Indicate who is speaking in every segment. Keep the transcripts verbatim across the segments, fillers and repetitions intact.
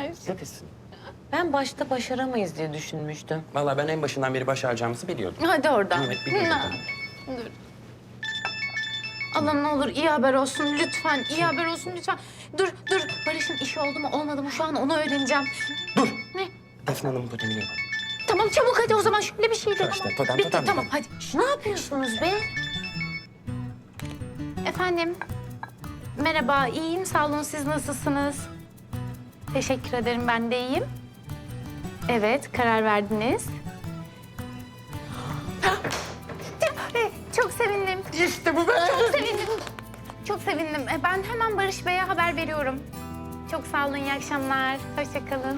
Speaker 1: ver.
Speaker 2: Neredesin?
Speaker 3: Ben başta başaramayız diye düşünmüştüm.
Speaker 2: Vallahi ben en başından beri başaracağımızı biliyordum.
Speaker 1: Hadi oradan.
Speaker 2: Evet, biliyordum.
Speaker 1: Ha, Dur. Allah'ım ne olur iyi haber olsun lütfen. İyi haber olsun lütfen. Dur dur. Barış'ın işi oldu mu olmadı mı şu an onu öğreneceğim.
Speaker 2: Dur.
Speaker 1: Ne?
Speaker 2: Defne Hanım'ın totemini yapalım.
Speaker 1: Tamam çabuk hadi o zaman şöyle bir şey de.
Speaker 2: İşte,
Speaker 1: Tamam.
Speaker 2: totem,
Speaker 1: Bitti,
Speaker 2: totem,
Speaker 1: tamam
Speaker 2: totem.
Speaker 1: hadi.
Speaker 3: Ne yapıyorsunuz be?
Speaker 1: Efendim. Merhaba iyiyim sağ olun siz nasılsınız? Teşekkür ederim ben de iyiyim. Evet karar verdiniz. Çok sevindim.
Speaker 2: İşte bu be.
Speaker 1: Çok sevindim. Çok sevindim. E, Ben hemen Barış Bey'e haber veriyorum. Çok sağ olun, iyi akşamlar. Hoşça kalın.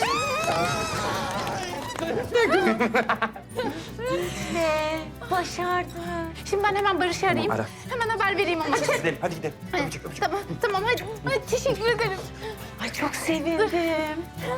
Speaker 3: Ne? Başardı.
Speaker 1: Şimdi ben hemen Barış'ı arayayım.
Speaker 2: ara.
Speaker 1: Hemen haber vereyim ama.
Speaker 2: Hadi gidelim, hadi gidelim. Öpücük, öpücük.
Speaker 1: Tamam, tamam hadi. Hadi teşekkür ederim.
Speaker 3: Ay çok sevindim.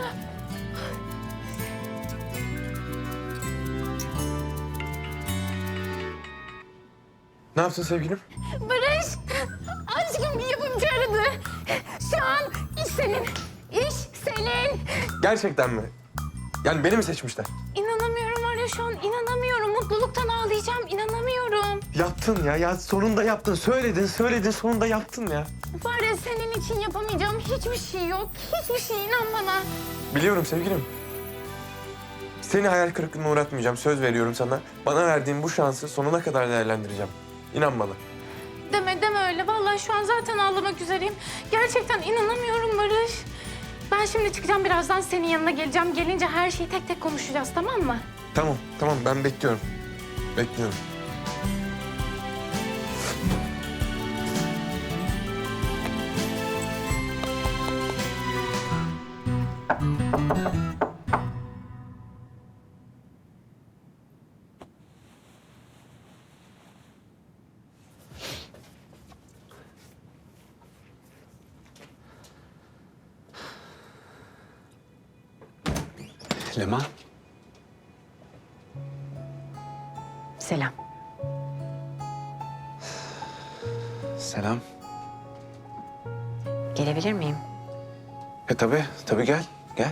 Speaker 4: Ne yaptın sevgilim?
Speaker 1: Barış, aşkım bir yapımcı aradı. Şu an iş senin. İş senin.
Speaker 4: Gerçekten mi? Yani beni mi seçmişler?
Speaker 1: İnanamıyorum var ya şu an inanamıyorum. Mutluluktan ağlayacağım, inanamıyorum.
Speaker 4: Yaptın ya, ya sonunda yaptın. Söyledin, söyledin, sonunda yaptın ya.
Speaker 1: Var ya senin için yapamayacağım hiçbir şey yok. Hiçbir şey inan bana.
Speaker 4: Biliyorum sevgilim. Seni hayal kırıklığına uğratmayacağım, söz veriyorum sana. Bana verdiğin bu şansı sonuna kadar değerlendireceğim. İnan bana.
Speaker 1: Deme deme öyle. Vallahi şu an zaten ağlamak üzereyim. Gerçekten inanamıyorum Barış. Ben şimdi çıkacağım birazdan senin yanına geleceğim. Gelince her şeyi tek tek konuşacağız tamam mı?
Speaker 4: Tamam, tamam ben bekliyorum. Bekliyorum.
Speaker 2: Leman.
Speaker 3: Selam.
Speaker 4: Selam.
Speaker 3: Gelebilir miyim?
Speaker 4: E tabii, tabii gel, gel.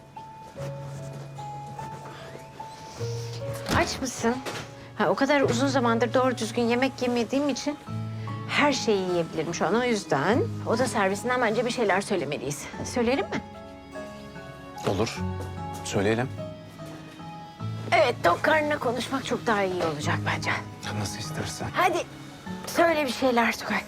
Speaker 3: Aç mısın? Ha, o kadar uzun zamandır doğru düzgün yemek yemediğim için her şeyi yiyebilirim şu an. O yüzden oda servisinden bence bir şeyler söylemeliyiz. Söyleyelim mi?
Speaker 4: Olur. Söyleyelim.
Speaker 3: Evet, tok karnına konuşmak çok daha iyi olacak bence.
Speaker 4: Nasıl istersen.
Speaker 3: Hadi söyle bir şeyler Tugay.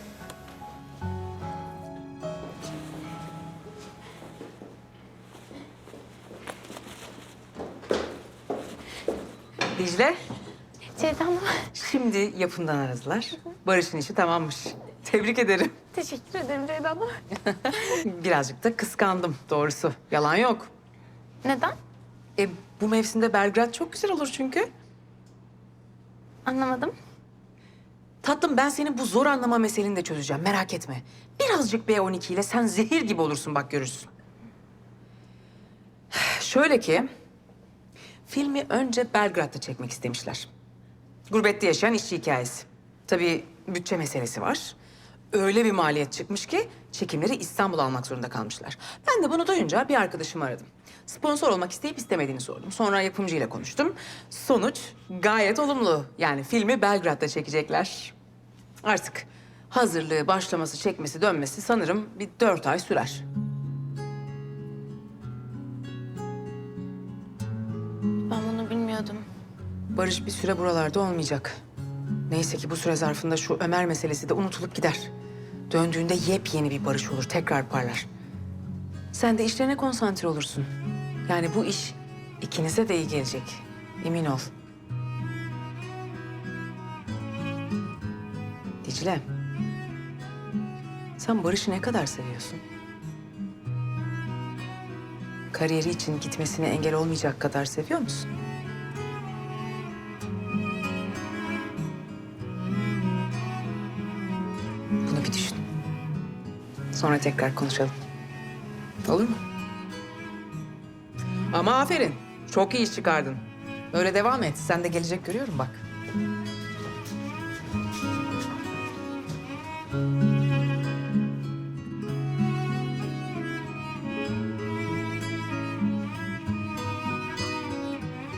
Speaker 5: Dicle,
Speaker 1: Ceyda Hanım.
Speaker 5: şimdi yapımdan aradılar. Barış'ın işi tamammış. Tebrik ederim.
Speaker 1: Teşekkür ederim Ceyda Hanım.
Speaker 5: Birazcık da kıskandım doğrusu. Yalan yok.
Speaker 1: Neden?
Speaker 5: E, bu mevsimde Belgrad çok güzel olur çünkü.
Speaker 1: Anlamadım.
Speaker 5: Tatlım ben senin bu zor anlama meseleni de çözeceğim merak etme. Birazcık B on iki ile sen zehir gibi olursun bak görürsün. Şöyle ki, filmi önce Belgrad'da çekmek istemişler. Gurbette yaşayan işçi hikayesi. Tabii bütçe meselesi var. Öyle bir maliyet çıkmış ki çekimleri İstanbul'a almak zorunda kalmışlar. Ben de bunu duyunca bir arkadaşımı aradım. Sponsor olmak isteyip istemediğini sordum. Sonra yapımcıyla konuştum. Sonuç gayet olumlu. Yani filmi Belgrad'da çekecekler. Artık hazırlığı, başlaması, çekmesi, dönmesi sanırım bir dört ay sürer.
Speaker 1: Ben bunu bilmiyordum.
Speaker 5: Barış bir süre buralarda olmayacak. Neyse ki bu süre zarfında şu Ömer meselesi de unutulup gider. Döndüğünde yepyeni bir Barış olur, tekrar parlar. Sen de işlerine konsantre olursun. Yani bu iş ikinize de iyi gelecek. Emin ol. Dicle, sen Barış'ı ne kadar seviyorsun? Kariyeri için gitmesine engel olmayacak kadar seviyor musun? Bunu bir düşün. Sonra tekrar konuşalım. Olur mu? Ama aferin. Çok iyi iş çıkardın. Böyle devam et. Sen de gelecek görüyorum bak.